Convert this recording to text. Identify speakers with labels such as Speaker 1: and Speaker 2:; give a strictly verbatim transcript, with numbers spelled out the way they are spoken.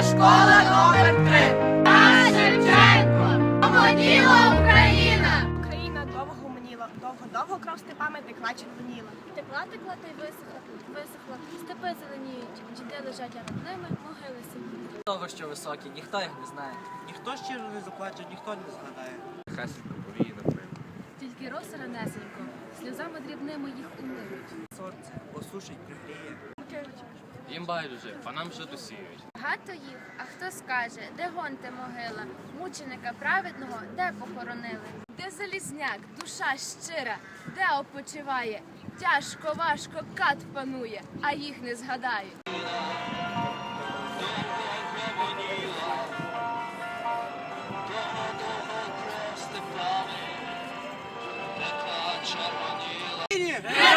Speaker 1: школа номер три. Тарас Шевченко. Гомоніла Україна.
Speaker 2: Україна довго гомоніла, довго-довго кров степами текла червоніла.
Speaker 3: Текла, текла та й висохла, висохла, степи зеленіють, діти лежать, а над ними могили сидять.
Speaker 4: Того, що високі, ніхто їх не знає.
Speaker 5: Ніхто щиро не заплаче, ніхто не згадає.
Speaker 6: Хасенько повіє над ними.
Speaker 7: Тільки роси ранесенько, сльозами дрібними їх умиють.
Speaker 5: Сонце осушить, пригріє.
Speaker 6: Їм байдуже, а нам жито сіють.
Speaker 3: Багато їх, а хто скаже, де гонте могила, мученика праведного, де похоронили? Де залізняк, душа щира, де опочиває? Тяжко, важко, кат панує, а їх не згадають.
Speaker 1: Героям